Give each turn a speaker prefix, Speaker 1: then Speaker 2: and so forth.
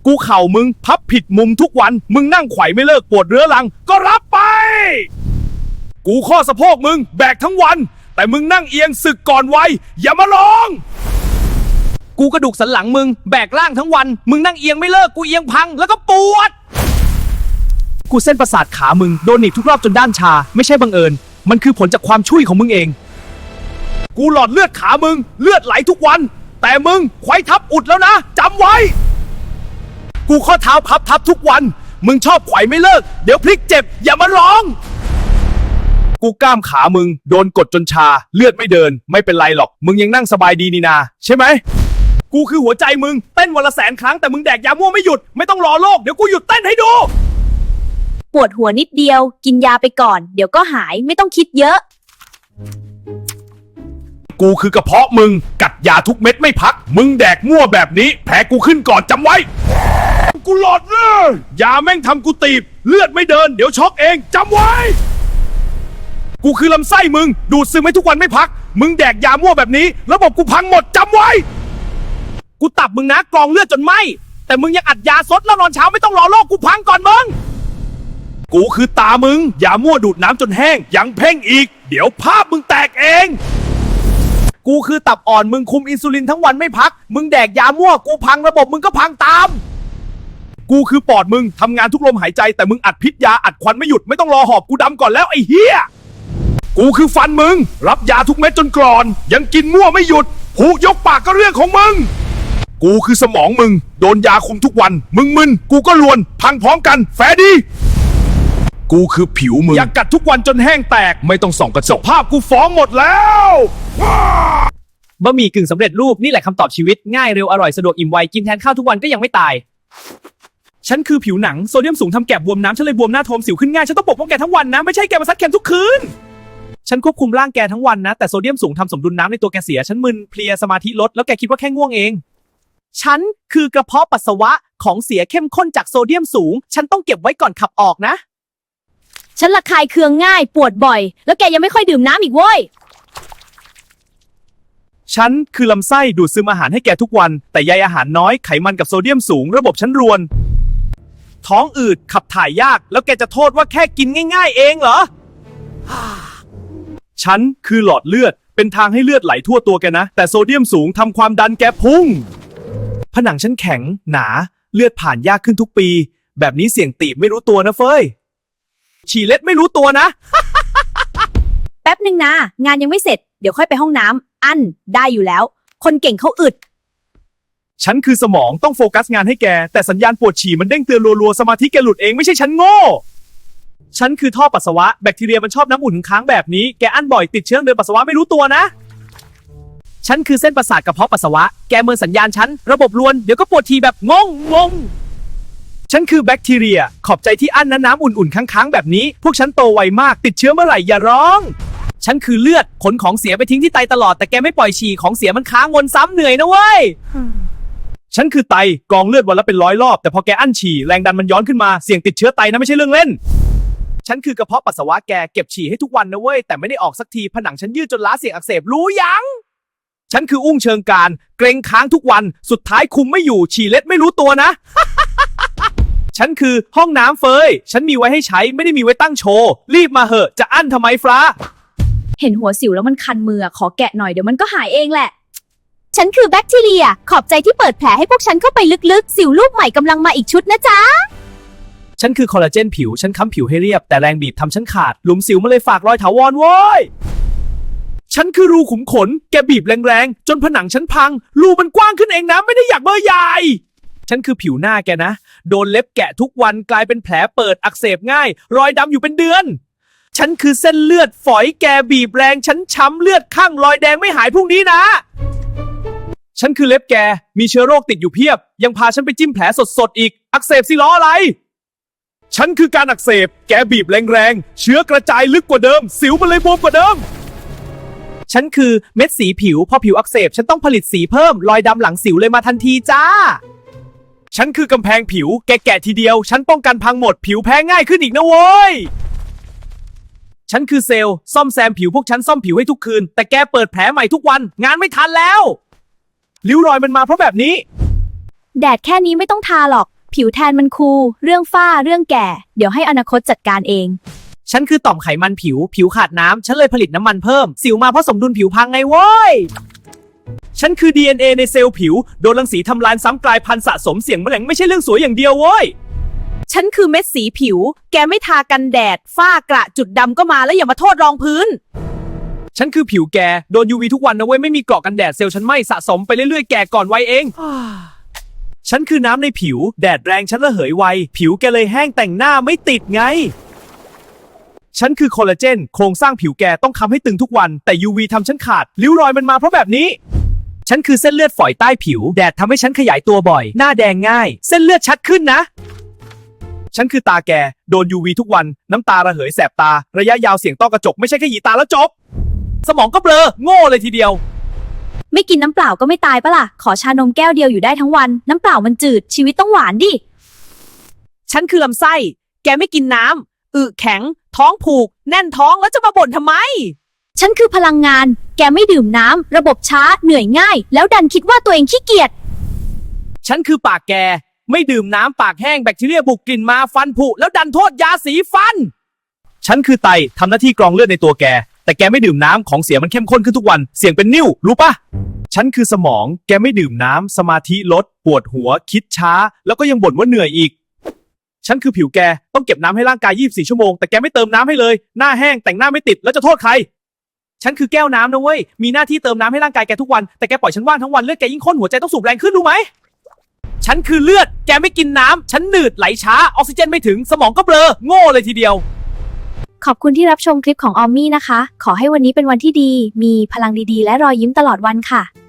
Speaker 1: กูเข่ามึงพับผิดมุมทุกวันมึงนั่งไขว่ไม่เลิกปวดเรื้อรังก็รับไปกูข้อสะโพกมึงแบกทั้งวันแต่มึงนั่งเอียงสึกก่อนวัยอย่ามาลองกูกระดูกสันหลังมึงแบกร่างทั้งวันมึงนั่งเอียงไม่เลิกกูเอียงพังแล้วก็ปวดกูเส้นประสาทขามึงโดนหนีบทุกรอบจนด้านชาไม่ใช่บังเอิญมันคือผลจากความช่วยของมึงเองกูหลอดเลือดขามึงเลือดไหลทุกวันแต่มึงไขว่ทับอุดแล้วนะจำไว้กูข้อเท้าพับทับทุกวันมึงชอบไขว่ไม่เลิกเดี๋ยวพลิกเจ็บอย่ามาร้องกูกล้ามขามึงโดนกดจนชาเลือดไม่เดินไม่เป็นไรหรอกมึงยังนั่งสบายดีนี่นาใช่ไหมกูคือหัวใจมึงเต้นวันละ100,000 ครั้งแต่มึงแดกยาม่วไม่หยุดไม่ต้องรอโรคเดี๋ยวกูหยุดเต้นให้ดู
Speaker 2: ปวดหัวนิดเดียวกินยาไปก่อนเดี๋ยวก็หายไม่ต้องคิดเยอะ
Speaker 1: กูคือกระเพาะมึงกัดยาทุกเม็ดไม่พักมึงแดกมั่วแบบนี้แผลกูขึ้นก่อนจำไว้กูหลอดเลยยาแม่งทำกูตีบเลือดไม่เดินเดี๋ยวช็อกเองจำไว้กูคือลำไส้มึงดูดซึมให้ทุกวันไม่พักมึงแดกยามั่วแบบนี้ระบบกูพังหมดจำไว้กูตับมึงนะกรองเลือดจนไหมแต่มึงยังอัดยาซดแล้วนอนเช้าไม่ต้องรอโรคกูพังก่อนมึงกูคือตามึงยามั่วดูดน้ำจนแห้งยังเพ่งอีกเดี๋ยวภาพมึงแตกเองกูคือตับอ่อนมึงคุมอินซูลินทั้งวันไม่พักมึงแดกยามั่วกูพังระบบมึงก็พังตามกูคือปอดมึงทำงานทุกลมหายใจแต่มึงอัดพิษยาอัดควันไม่หยุดไม่ต้องรอหอบกูดำก่อนแล้วไอ้เหี้ยกูคือฟันมึงรับยาทุกเม็ดจนกรอนยังกินมั่วไม่หยุดหูยกปากก็เรื่องของมึงกูคือสมองมึงโดนยาคุมทุกวันมึงมึนกูก็ลวนพังพร้อมกันแฟดีกูคือผิวมึงอยากกัดทุกวันจนแห้งแตกไม่ต้องส่องกระจกภาพกูฟ้องหมดแล้ว
Speaker 3: บะหมี่กึ่งสำเร็จรูปนี่แหละคำตอบชีวิตง่ายเร็วอร่อยสะดวกอิ่มไวกินแทนข้าวทุกวันก็ยังไม่ตายฉันคือผิวหนังโซเดียมสูงทำแกบบวมน้ำฉันเลยบวมหน้าโทมสิวขึ้นง่ายฉันต้องปกป้องแกทั้งวันนะไม่ใช่แกมาซัดแคมทุกคืนฉันควบคุมร่างแกทั้งวันนะแต่โซเดียมสูงทำสมดุลน้ำในตัวแกเสียฉันมึนเพลียสมาธิลดแล้วแกคิดว่าแค่ง่วงเองฉันคือกระเพาะปัสสาวะของเสียเข้มข้นจากโซเดียมสูงฉันต้องเก็บไว้ก่อนขับออกนะ
Speaker 2: ฉันระคายเคืองง่ายปวดบ่อยแล้วแกยังไม่ค่อยดื่มน้ำอีกเว้ย
Speaker 1: ฉันคือลำไส้ดูดซึมอาหารให้แกทุกวันแต่ใยอาหารน้อยไขมันกับโซเดียมสูงระบบฉันรวนท้องอืดขับถ่ายยากแล้วแกจะโทษว่าแค่กินง่ายๆเองเหรอฉันคือหลอดเลือดเป็นทางให้เลือดไหลทั่วตัวแกนะแต่โซเดียมสูงทำความดันแกพุ่งผนังฉันแข็งหนาเลือดผ่านยากขึ้นทุกปีแบบนี้เสี่ยงตีบไม่รู้ตัวนะเฟ้ยฉี่เล็ดไม่รู้ตัวนะ
Speaker 2: แป๊บนึงนะงานยังไม่เสร็จเดี๋ยวค่อยไปห้องน้ำอั้นได้อยู่แล้วคนเก่งเขาอึด
Speaker 1: ฉันคือสมองต้องโฟกัสงานให้แกแต่สัญญาณปวดฉี่มันเด้งเตือนรัวๆสมาธิแกหลุดเองไม่ใช่ฉันโง่ฉันคือท่อปัสสาวะแบคทีเรียมันชอบน้ำอุ่นค้างแบบนี้แกอั้นบ่อยติดเชื้อเดินปัสสาวะไม่รู้ตัวนะฉันคือเส้นประสาทกระเพาะปัสสาวะแกเมินสัญญาณฉันระบบรวนเดี๋ยวก็ปวดทีแบบงงฉันคือแบคทีเรียขอบใจที่อั้นน้ำอุ่นๆค้างๆแบบนี้พวกฉันโตไวมากติดเชื้อเมื่อไหร่อย่าร้องฉันคือเลือดขนของเสียไปทิ้งที่ไตตลอดแต่แกไม่ปล่อยฉี่ของเสียมันค้างวนซ้ำเหนื่อยนะเว้ยฉันคือไตกองเลือดวันละเป็น100 รอบแต่พอแกอั้นฉี่แรงดันมันย้อนขึ้นมาเสี่ยงติดเชื้อไตนะไม่ใช่เรื่องเล่นฉันคือกระเพาะปัสสาวะแกเก็บฉี่ให้ทุกวันนะเว้ยแต่ไม่ได้ออกสักทีผนังฉันยืดจนล้าเสี่ยงอักเสบรู้ยังฉันคืออุ้งเชิงการเกรงค้างทุกวันสุดท้ายคุมไม่อยู่ฉี่เล็ดไม่รู้ตัวนะ ฉันคือห้องน้ำเฟยฉันมีไว้ให้ใช้ไม่ได้มีไว้ตั้งโชว์รีบมาเหอะจะอั้นทำไมฟ้า
Speaker 2: เห็นหัวสิวแล้วมันคันมือขอแกะหน่อยเดี๋ยวมันก็หายเองแหละฉันคือแบคทีเรียขอบใจที่เปิดแผลให้พวกฉันเข้าไปลึกๆสิวลูกใหม่กำลังมาอีกชุดนะจ๊ะ
Speaker 1: ฉันคือคอลลาเจนผิวฉันค้ำผิวให้เรียบแต่แรงบีบทำฉันขาดหลุมสิวมาเลยฝากรอยถาวรโว้ยฉันคือรูขุมขนแกบีบแรงๆจนผนังฉันพังรูมันกว้างขึ้นเองนะไม่ได้อยากเบอร์ใหญ่ฉันคือผิวหน้าแกนะโดนเล็บแกะทุกวันกลายเป็นแผลเปิดอักเสบง่ายรอยดำอยู่เป็นเดือนฉันคือเส้นเลือดฝอยแกบีบแรงฉันช้ำเลือดข้างรอยแดงไม่หายพรุ่งนี้นะฉันคือเล็บแกมีเชื้อโรคติดอยู่เพียบยังพาฉันไปจิ้มแผลสดๆอีกอักเสบสิล้ออะไรฉันคือการอักเสบแกบีบแรงๆเชื้อกระจายลึกกว่าเดิมสิวมันเลยบวมกว่าเดิมฉันคือเม็ดสีผิวพอผิวอักเสบฉันต้องผลิตสีเพิ่มรอยดำหลังสิวเลยมาทันทีจ้าฉันคือกำแพงผิวแกแกะทีเดียวฉันป้องกันพังหมดผิวแพ้ง่ายขึ้นอีกนะโว้ยฉันคือเซลล์ซ่อมแซมผิวพวกฉันซ่อมผิวให้ทุกคืนแต่แกเปิดแผลใหม่ทุกวันงานไม่ทันแล้วริ้วรอยมันมาเพราะแบบนี้
Speaker 2: แดดแค่นี้ไม่ต้องทาหรอก ผิวแทนมันคูลเรื่องฝ้าเรื่องแก่ เดี๋ยวให้อนาคตจัดการเอง
Speaker 3: ฉันคือต่อมไขมันผิวขาดน้ำฉันเลยผลิตน้ำมันเพิ่มสิวมาเพราะสมดุลผิวพังไงโว้ยฉันคือ DNA ในเซลล์ผิวโดนรังสีทำลายซ้ำกลายพันธุ์สะสมเสี่ยงมะเร็งไม่ใช่เรื่องสวยอย่างเดียวโว้ย
Speaker 4: ฉันคือเม็ดสีผิว แกไม่ทากันแดด ฝ้ากระจุดดำก็มาแล้วอย่ามาโทษรองพื้น
Speaker 3: ฉันคือผิวแกโดน UV ทุกวันนะเว้ยไม่มีเกราะกันแดดเซลล์ฉันไหม่สะสมไปเรื่อยๆแก่ก่อนวัยเอง ฉันคือน้ำในผิวแดดแรงฉันระเหยไวผิวแกเลยแห้งแต่งหน้าไม่ติดไง ฉันคือคอลลาเจนโครงสร้างผิวแกต้องค้ำให้ตึงทุกวันแต่ UV ทำฉันขาดริ้วรอยมันมาเพราะแบบนี้ ฉันคือเส้นเลือดฝอยใต้ผิวแดดทำให้ฉันขยายตัวบ่อยหน้าแดงง่าย เส้นเลือดชัดขึ้นนะ ฉันคือตาแกโดน UV ทุกวันน้ำตาระเหยแสบตาระยะยาวเสี่ยงต้อกระจกไม่ใช่แค่หยีตาแล้วจบสมองก็เบลอโง่เลยทีเดียว
Speaker 2: ไม่กินน้ำเปล่าก็ไม่ตายปะล่ะ ขอชานมแก้วเดียวอยู่ได้ทั้งวัน น้ำเปล่ามันจืดชีวิตต้องหวานดิ
Speaker 4: ฉันคือลำไส้ แกไม่กินน้ำอึแข็ง ท้องผูก แน่นท้องแล้วจะมาบ่นทำไม
Speaker 2: ฉันคือพลังงาน แกไม่ดื่มน้ำระบบช้าเหนื่อยง่าย แล้วดันคิดว่าตัวเองขี้เกียจ
Speaker 3: ฉันคือปากแกไม่ดื่มน้ำปากแห้งแบคทีเรียบุกกลิ่นมาฟันผุแล้วดันโทษยาสีฟัน ฉันคือไตทำหน้าที่กรองเลือดในตัวแกแต่แกไม่ดื่มน้ำของเสียมันเข้มข้นขึ้นทุกวันเสี่ยงเป็นนิ่วรู้ปะฉันคือสมองแกไม่ดื่มน้ำสมาธิลดปวดหัวคิดช้าแล้วก็ยังบ่นว่าเหนื่อยอีกฉันคือผิวแกต้องเก็บน้ำให้ร่างกาย 24 ชั่วโมงแต่แกไม่เติมน้ำให้เลยหน้าแห้งแต่งหน้าไม่ติดแล้วจะโทษใครฉันคือแก้วน้ำนะเว้ยมีหน้าที่เติมน้ำให้ร่างกายแกทุกวันแต่แกปล่อยฉันว่างทั้งวันเลือดแกยิ่งข้นหัวใจต้องสูบแรงขึ้นรู้ไหมฉันคือเลือดแกไม่กินน้ำฉันหนืดไหลช้าออกซิเจนไม่ถึงสมองก็เบลอโง่เลยทีเดียว
Speaker 2: ขอบคุณที่รับชมคลิปของออมมี่นะคะ ขอให้วันนี้เป็นวันที่ดี มีพลังดีๆ และรอยยิ้มตลอดวันค่ะ